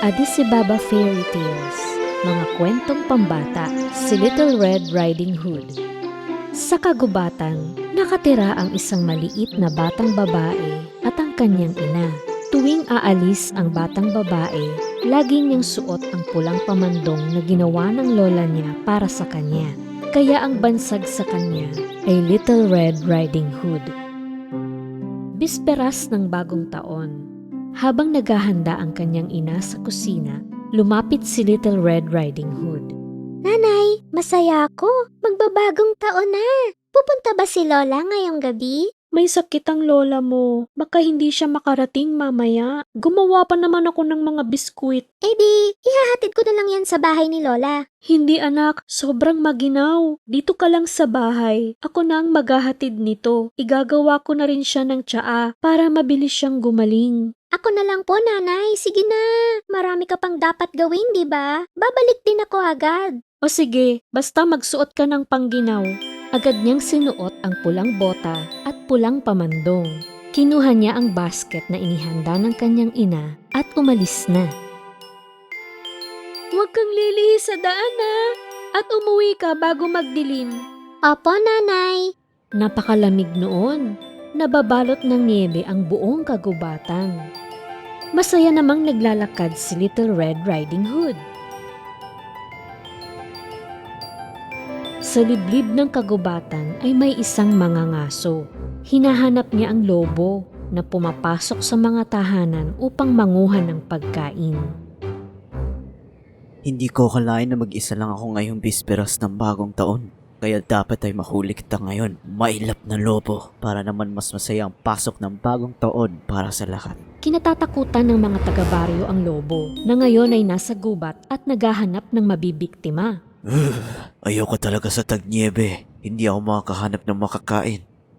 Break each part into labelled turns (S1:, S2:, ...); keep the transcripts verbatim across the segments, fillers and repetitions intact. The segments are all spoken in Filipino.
S1: Adisibaba Fairy Tales, mga kwentong pambata, si Little Red Riding Hood. Sa kagubatan, nakatira ang isang maliit na batang babae at ang kanyang ina. Tuwing aalis ang batang babae, lagi niyang suot ang pulang pamandong na ginawa ng lola niya para sa kanya. Kaya ang bansag sa kanya ay Little Red Riding Hood. Bisperas ng bagong taon. Habang naghahanda ang kanyang ina sa kusina, lumapit si Little Red Riding Hood.
S2: Nanay, masaya ako. Magbabagong taon na. Pupunta ba si Lola ngayong gabi?
S1: May sakit ang lola mo. Baka hindi siya makarating mamaya. Gumawa pa naman ako ng mga biskwit.
S2: Eh di, ihahatid ko na lang yan sa bahay ni Lola.
S1: Hindi anak, sobrang maginaw. Dito ka lang sa bahay. Ako na ang maghahatid nito. Igagawa ko na rin siya ng tsaa para mabilis siyang gumaling.
S2: Ako na lang po, nanay. Sige na. Marami ka pang dapat gawin, di ba? Babalik din ako agad.
S1: O sige, basta magsuot ka ng pangginaw. Agad niyang sinuot ang pulang bota at pulang pamandong. Kinuha niya ang basket na inihanda ng kanyang ina at umalis na. Huwag kang lilihis sa daan na at umuwi ka bago magdilim.
S2: Opo, nanay.
S1: Napakalamig noon. Nababalot ng niebe ang buong kagubatan. Masaya namang naglalakad si Little Red Riding Hood. Sa liblib ng kagubatan ay may isang mangangaso. Hinahanap niya ang lobo na pumapasok sa mga tahanan upang manguha ng pagkain.
S3: Hindi ko akalain na mag-isa lang ako ngayong bisperas ng bagong taon. Kaya dapat ay mahuli kita ngayon, mailap na lobo, para naman mas masaya ang pasok ng bagong taon para sa lahat.
S1: Kinatatakutan ng mga taga-baryo ang lobo na ngayon ay nasa gubat at naghahanap ng mabibiktima.
S3: Ayoko talaga sa tagniebe, hindi ako makakahanap ng makakain.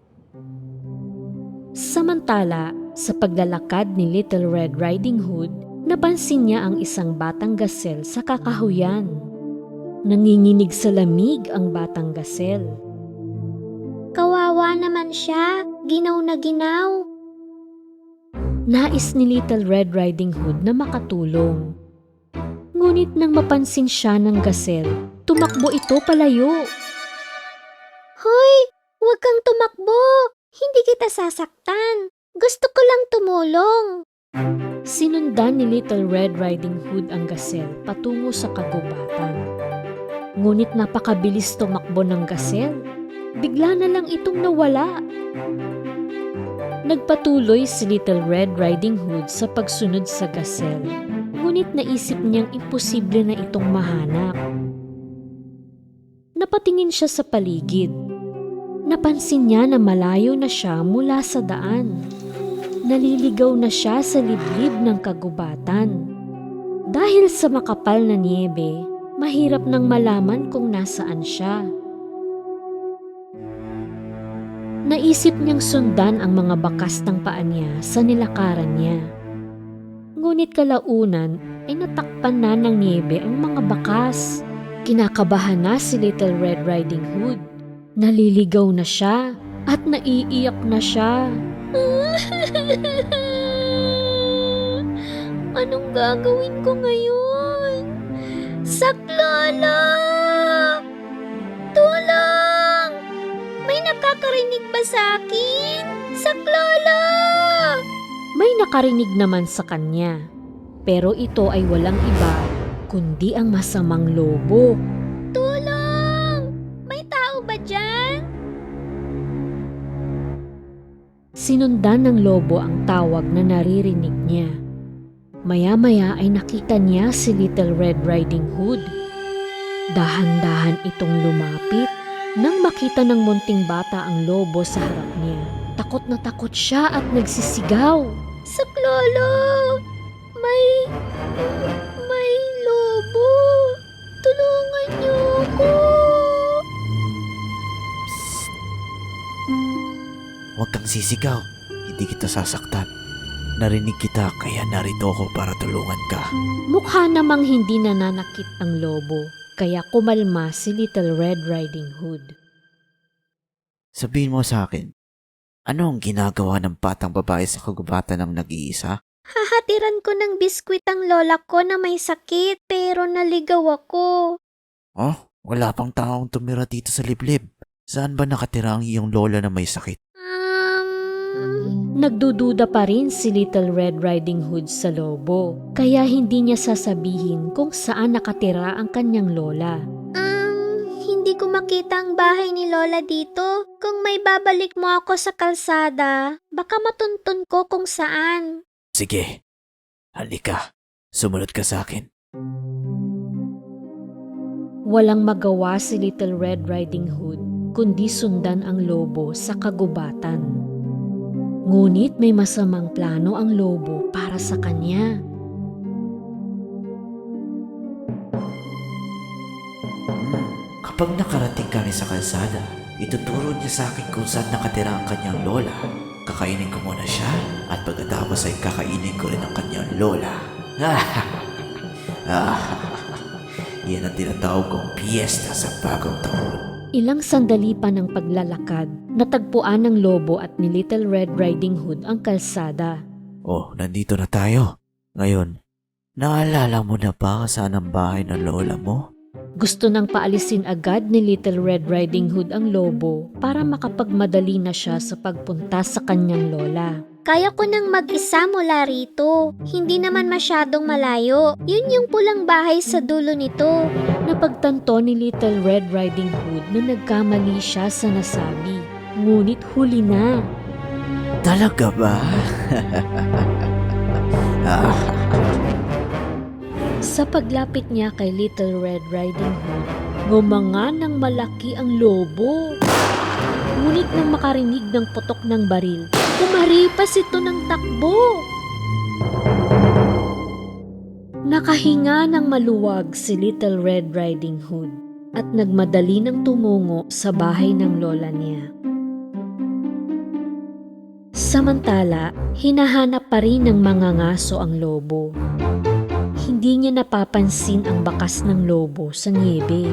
S1: Samantala, sa paglalakad ni Little Red Riding Hood, napansin niya ang isang batang gasel sa kakahuyan. Nanginginig sa lamig ang batang gasel.
S2: Kawawa naman siya. Ginaw na ginaw.
S1: Nais ni Little Red Riding Hood na makatulong. Ngunit nang mapansin siya ng gasel, tumakbo ito palayo.
S2: Hoy, huwag kang tumakbo. Hindi kita sasaktan. Gusto ko lang tumulong.
S1: Sinundan ni Little Red Riding Hood ang gasel patungo sa kagubatan. Ngunit napakabilis tumakbo ng gasel. Bigla na lang itong nawala. Nagpatuloy si Little Red Riding Hood sa pagsunod sa gasel. Ngunit naisip niyang imposible na itong mahanap. Napatingin siya sa paligid. Napansin niya na malayo na siya mula sa daan. Naliligaw na siya sa liblib ng kagubatan. Dahil sa makapal na niebe, mahirap nang malaman kung nasaan siya. Naisip niyang sundan ang mga bakas ng paa niya sa nilakaran niya. Ngunit kalaunan ay natakpan na ng niebe ang mga bakas. Kinakabahan na si Little Red Riding Hood. Naliligaw na siya at naiiyak na siya.
S2: Anong gagawin ko ngayon? Saklolo! Tulong! May nakakarinig ba sa akin? Saklolo!
S1: May nakarinig naman sa kanya, pero ito ay walang iba kundi ang masamang lobo.
S2: Tulong! May tao ba dyan?
S1: Sinundan ng lobo ang tawag na naririnig niya. Maya-maya ay nakita niya si Little Red Riding Hood. Dahan-dahan itong lumapit. Nang makita ng munting bata ang lobo sa harap niya, takot na takot siya at nagsisigaw.
S2: Saklolo! May... may lobo! Tulungan niyo ako!
S3: Psst. Huwag kang sisigaw, hindi kita sasaktan. Narinig kita kaya narito ako para tulungan ka.
S1: Mukha namang hindi nananakit ang lobo, kaya kumalma si Little Red Riding Hood.
S3: Sabihin mo sa akin, ano ang ginagawa ng batang babae sa kagubatan ng nag-iisa?
S2: Hahatiran ko ng biskwit ang lola ko na may sakit pero naligaw ako.
S3: Oh, wala pang taong tumira dito sa liblib. Saan ba nakatira ang iyong lola na may sakit?
S2: Um,
S1: Nagdududa pa rin si Little Red Riding Hood sa lobo, kaya hindi niya sasabihin kung saan nakatira ang kanyang lola.
S2: um, hindi ko makita ang bahay ni lola dito. Kung may babalik mo ako sa kalsada, baka matuntun ko kung saan.
S3: Sige, halika. Sumunod ka sa akin.
S1: Walang magawa si Little Red Riding Hood kundi sundan ang lobo sa kagubatan. Ngunit may masamang plano ang lobo para sa kanya.
S3: Hmm, Kapag nakarating kami sa kalsada, ituturo niya sa akin kung saan nakatira ang kanyang lola. Kakainin ko muna siya at pagkatapos ay kakainin ko rin ang kanyang lola. Yan ang tinatawag kong piyesta sa bagong taon.
S1: Ilang sandali pa ng paglalakad, natagpuan ng lobo at ni Little Red Riding Hood ang kalsada.
S3: Oh, nandito na tayo. Ngayon, naalala mo na ba kung saan ang bahay ng lola mo?
S1: Gusto nang paalisin agad ni Little Red Riding Hood ang lobo para makapagmadali na siya sa pagpunta sa kanyang lola.
S2: Kaya ko nang mag-isa mula rito. Hindi naman masyadong malayo. Yun yung pulang bahay sa dulo nito.
S1: Napagtanto ni Little Red Riding Hood na nagkamali siya sa nasabi. Ngunit huli na.
S3: Talaga ba? ah,
S1: Sa paglapit niya kay Little Red Riding Hood, ngumanga ng malaki ang lobo. Ngunit nang makarinig ng putok ng baril, kumaripas ito ng takbo. Nakahinga ng maluwag si Little Red Riding Hood at nagmadali ng tumungo sa bahay ng lola niya. Samantala, hinahanap pa rin ng mga ngaso ang lobo. Hindi niya napapansin ang bakas ng lobo sa niebe.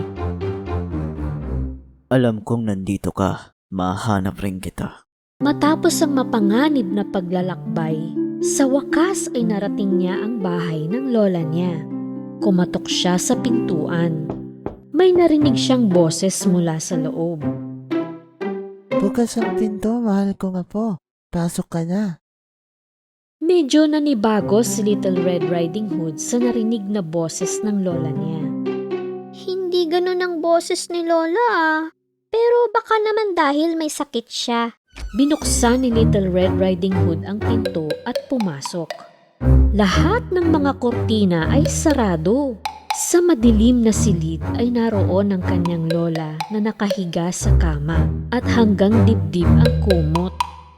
S3: alam kong nandito ka. Mahanap rin kita.
S1: Matapos ang mapanganib na paglalakbay, sa wakas ay narating niya ang bahay ng lola niya. Kumatok siya sa pintuan. May narinig siyang boses mula sa loob.
S4: Bukas ang pinto, mahal kong apo. Pasok ka na.
S1: Medyo nanibago si Little Red Riding Hood sa narinig na boses ng lola niya.
S2: Hindi ganun ang boses ni lola ah. Pero baka naman dahil may sakit siya.
S1: Binuksan ni Little Red Riding Hood ang pinto at pumasok. Lahat ng mga kortina ay sarado. Sa madilim na silid ay naroon ang kanyang lola na nakahiga sa kama at hanggang dibdib ang kumot.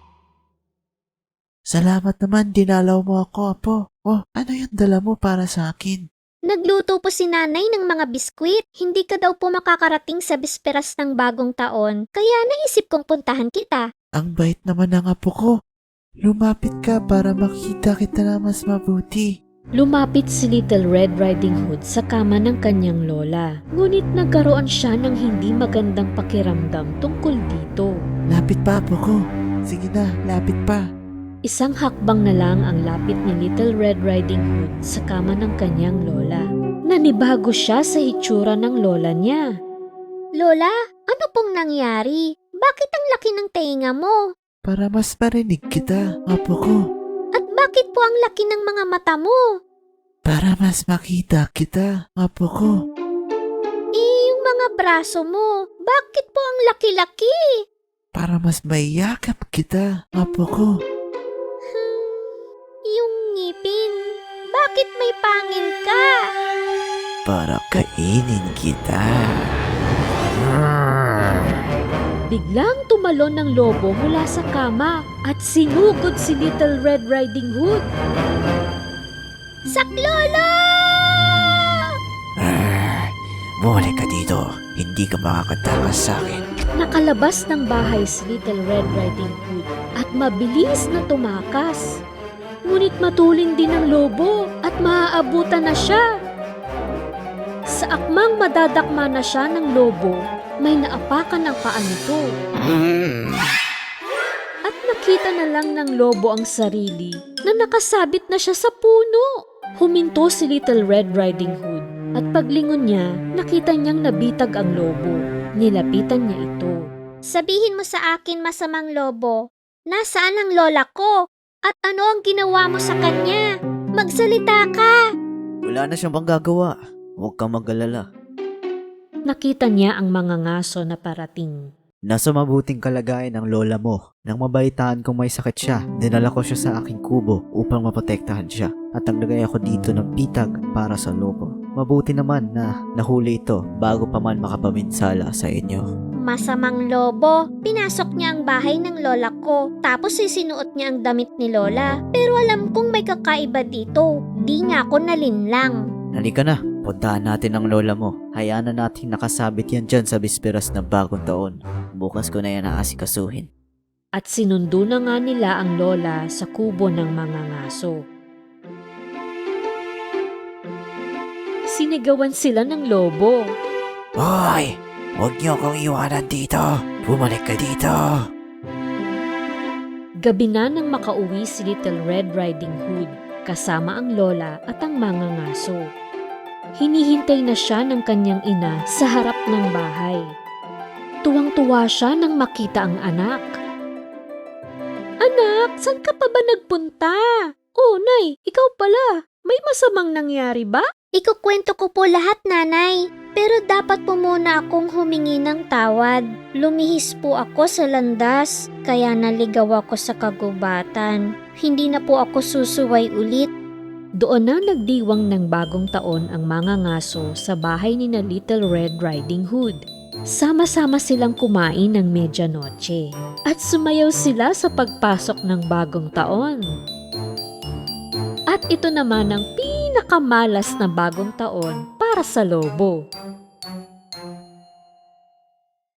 S4: Salamat naman, dinalaw mo ako, apo. Oh, ano yung dala mo para sa akin?
S2: Nagluto po si nanay ng mga biskwit. Hindi ka daw po makakarating sa bisperas ng bagong taon. Kaya naisip kong puntahan kita.
S4: Ang bait naman ng apo ko. Lumapit ka para makita kita na mas mabuti.
S1: Lumapit si Little Red Riding Hood sa kama ng kanyang lola. Ngunit nagkaroon siya ng hindi magandang pakiramdam tungkol dito.
S4: Lapit pa, apo ko. Sige na, lapit pa.
S1: Isang hakbang na lang ang lapit ni Little Red Riding Hood sa kama ng kanyang lola. Nanibago siya sa hitsura ng lola niya.
S2: Lola, ano pong nangyari? Bakit ang laki ng tenga mo?
S4: Para mas marinig kita, apo ko.
S2: At bakit po ang laki ng mga mata mo?
S4: Para mas makita kita, apo ko.
S2: Eh, yung mga braso mo, bakit po ang laki-laki?
S4: Para mas maiyakap kita, apo ko.
S2: Yung ngipin, bakit may pangil ka?
S3: Para kainin kita.
S1: Biglang tumalon ng lobo mula sa kama at sinugod si Little Red Riding Hood.
S2: Saklolo!
S3: Arr! Bumalik ka dito. Hindi ka makakatakas sa akin.
S1: Nakalabas ng bahay si Little Red Riding Hood at mabilis na tumakas. Ngunit matuling din ang lobo at maaabutan na siya. Sa akmang madadakma na siya ng lobo, may naapakan ang paa nito. At Nakita na lang ng lobo ang sarili na nakasabit na siya sa puno. Huminto si Little Red Riding Hood at paglingon niya, nakita niyang nabitag ang lobo. Nilapitan niya ito.
S2: Sabihin mo sa akin, masamang lobo, nasaan ang lola ko? At ano ang ginawa mo sa kanya? Magsalita ka!
S5: Wala na siyang panggagawa. Huwag kang mag-alala.
S1: Nakita niya ang mga ngaso na parating.
S5: Nasa mabuting kalagayan ang lola mo. Nang mabalitaan kong may sakit siya, dinala ko siya sa aking kubo upang maprotektahan siya. At naglagay ako dito ng pitag para sa lobo. Mabuti naman na nahuli ito bago pa man makapaminsala sa inyo.
S2: Masamang lobo, pinasok niya ang bahay ng lola ko, tapos isinuot niya ang damit ni lola. Pero alam kong may kakaiba dito, di niya ako nalinlang.
S5: Halika na, puntahan natin ang lola mo. Hayaan na natin nakasabit yan dyan sa bisperas ng bagong taon. Bukas ko na yan aasikasuhin.
S1: At sinundo na nga nila ang lola sa kubo ng mga ngaso. Sinigawan sila ng lobo.
S3: Hoy! Huwag niyo akong iwanan dito! Bumalik ka dito!
S1: Gabi na nang makauwi si Little Red Riding Hood kasama ang lola at ang mga ngaso. Hinihintay na siya ng kanyang ina sa harap ng bahay. Tuwang-tuwa siya nang makita ang anak. Anak, saan ka pa ba nagpunta? Oh, Nay, ikaw pala. May masamang nangyari ba?
S2: Ikukwento ko po lahat, nanay. Pero dapat po muna akong humingi ng tawad. Lumihis po ako sa landas, kaya naligaw ako sa kagubatan. Hindi na po ako susuway ulit.
S1: Doon na nagdiwang ng bagong taon ang mga ngaso sa bahay ni na Little Red Riding Hood. Sama-sama silang kumain ng medyanoche at sumayaw sila sa pagpasok ng bagong taon. At ito naman ang pinakamalas na bagong taon para sa lobo.